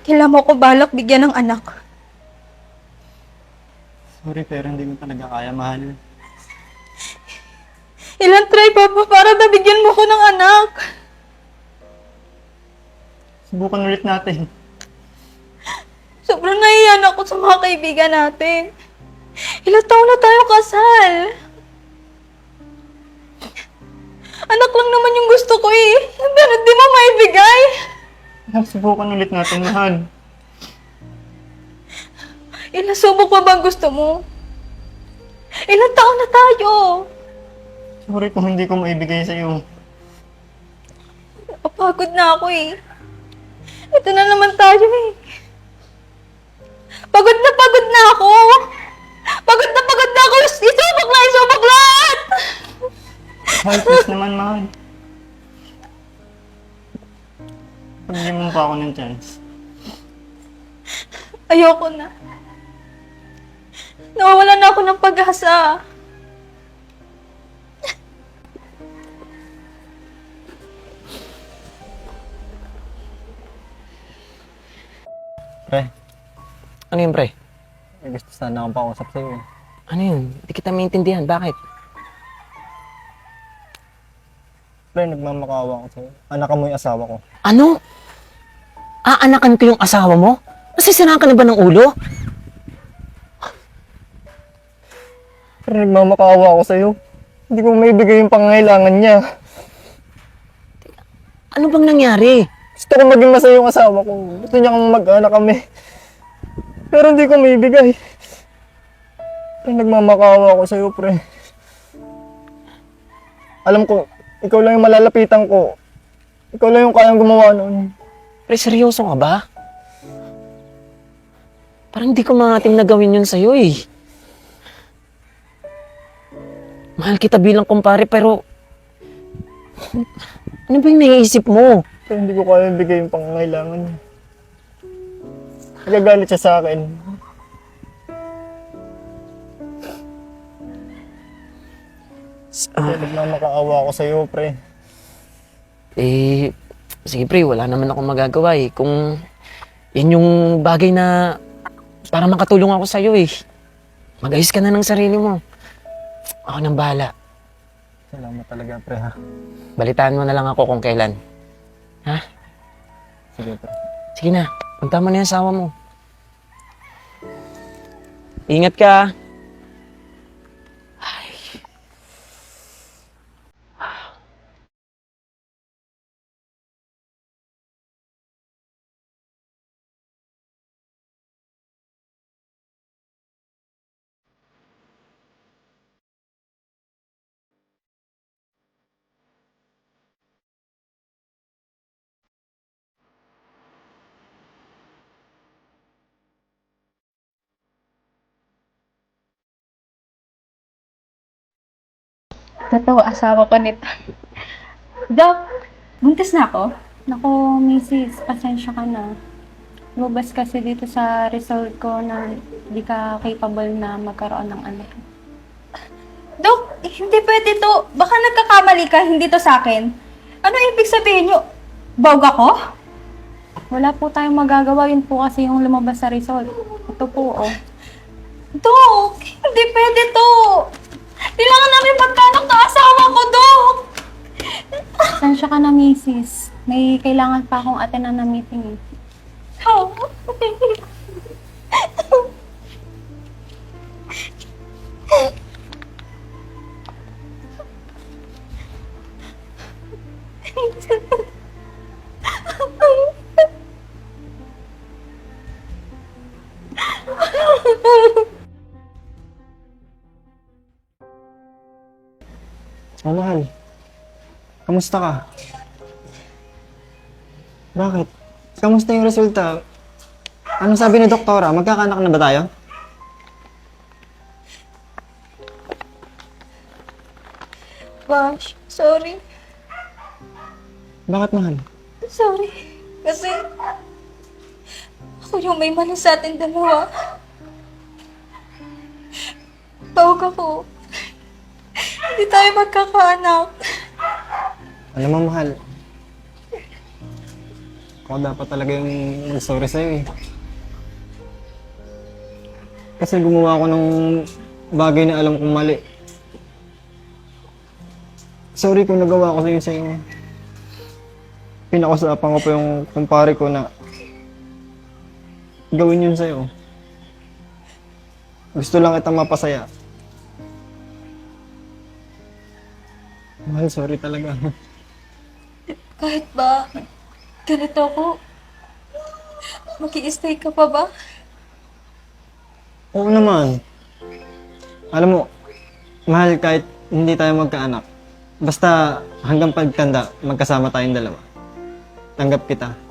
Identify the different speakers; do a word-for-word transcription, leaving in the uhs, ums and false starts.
Speaker 1: Kailan mo ko balak bigyan ng anak.
Speaker 2: Sorry, pero hindi ko talaga kaya, mahal.
Speaker 1: Ilang try pa ba para nabigyan mo ko ng anak?
Speaker 2: Subukan ulit natin.
Speaker 1: Sobrang nahiyan ako sa mga kaibigan natin. Ilang taon na tayo kasal. Anak lang naman yung gusto ko eh. Pero di mo maibigay.
Speaker 2: Subukan ulit natin, mahal.
Speaker 1: Ilang subok pa bang gusto mo? Ilang taon na tayo.
Speaker 2: Sorry kung hindi ko maibigay sa'yo.
Speaker 1: Napapagod na ako eh. Ito na naman tayo eh. Pagod na pagod na ako. Pagod na pagod na ako. Isubok na isubok lahat.
Speaker 2: Mahal, please naman, mahal. Pagyan mo pa ako ng chance.
Speaker 1: Ayoko na. Nawawalan na ako ng pag-asa.
Speaker 2: Pre,
Speaker 3: Ano yun, pre?
Speaker 2: may gusto sana akong pakausap sa'yo eh.
Speaker 3: Ano yun? Hindi kita maintindihan. Bakit?
Speaker 2: Pre, nagmamakaawa ako sa'yo. Anak mo yung asawa ko.
Speaker 3: Ano? Aanakan ko yung asawa mo? Nasisiraan ka na ba ng ulo?
Speaker 2: Pre, nagmamakaawa ako sa'yo. Hindi ko maibigay yung pangangailangan niya.
Speaker 3: Ano bang nangyari?
Speaker 2: Gusto ko maging masaya yung asawa ko. Gusto niya kang mag-anak kami. Pero hindi ko maibigay. Pre, nagmamakaawa ako sa'yo, pre. Alam ko, ikaw lang yung malalapitan ko. Ikaw lang yung kayang gumawa nun.
Speaker 3: Pre, seryoso ka ba? Parang hindi ko maatim na gawin yun sa'yo eh. Mahal kita bilang kumpare pero... Ano ba yung naiisip mo?
Speaker 2: Pero hindi ko kaya bigay yung pangangailangan niya. Nagagalit siya sa akin. Kaya nagmamakaawa ako sa'yo, pre.
Speaker 3: Eh, sige pre, wala naman ako magagawa eh. Kung yan yung bagay na para makatulong ako sa'yo eh. Mag-ayos ka na ng sarili mo. Ako nang bahala.
Speaker 2: Salamat talaga, pre, ha?
Speaker 3: Balitaan mo na lang ako kung kailan. Ha?
Speaker 2: Sige, pre.
Speaker 3: Sige na, punta mo na yung asawa mo. Ingat ka. Ay.
Speaker 1: Totoo, asawa ko nito. Doc, buntis na ako? Naku, misis, pasensya ka na. Lumabas kasi dito sa result ko na hindi ka capable na magkaroon ng anak. Doc, eh, hindi pwede to. Baka nagkakamali ka, hindi to sa akin. Ano ibig sabihin nyo? Bawg ako? Wala po tayong magagawa. Yun po kasi yung lumabas sa result. Ito po, oh. Doc, hindi pwede to. Kailangan namin magkanak na asawa ko, Doc! Pasensya ka na, misis. May kailangan pa akong attend na meeting eh. Oh.
Speaker 2: Oh, mahal. Kamusta ka? Bakit? Kamusta yung resulta? Anong sabi ni doktora? Magkakaanak na ba tayo?
Speaker 1: Gosh, sorry.
Speaker 2: Bakit, mahal?
Speaker 1: Sorry. Kasi ako yung may mali sa atin dalawa. Tawag ako. Hindi tayo magkakaanak.
Speaker 2: Alam mo, mahal, Ako dapat talaga yung mag-sorry sa'yo eh. Kasi gumawa ako ng bagay na alam kong mali. Sorry kung nagawa ko sa'yo sa'yo. Pinakusapan ko pa yung kumpare ko na gawin yun sa'yo. Gusto lang kitang mapasaya. Mahal, sorry talaga.
Speaker 1: Kahit ba ganito ako, mag-i-stay ka pa ba?
Speaker 2: Oo naman. Alam mo, mahal, kahit hindi tayo magkaanak, basta hanggang pagtanda, magkasama tayong dalawa. Tanggap kita.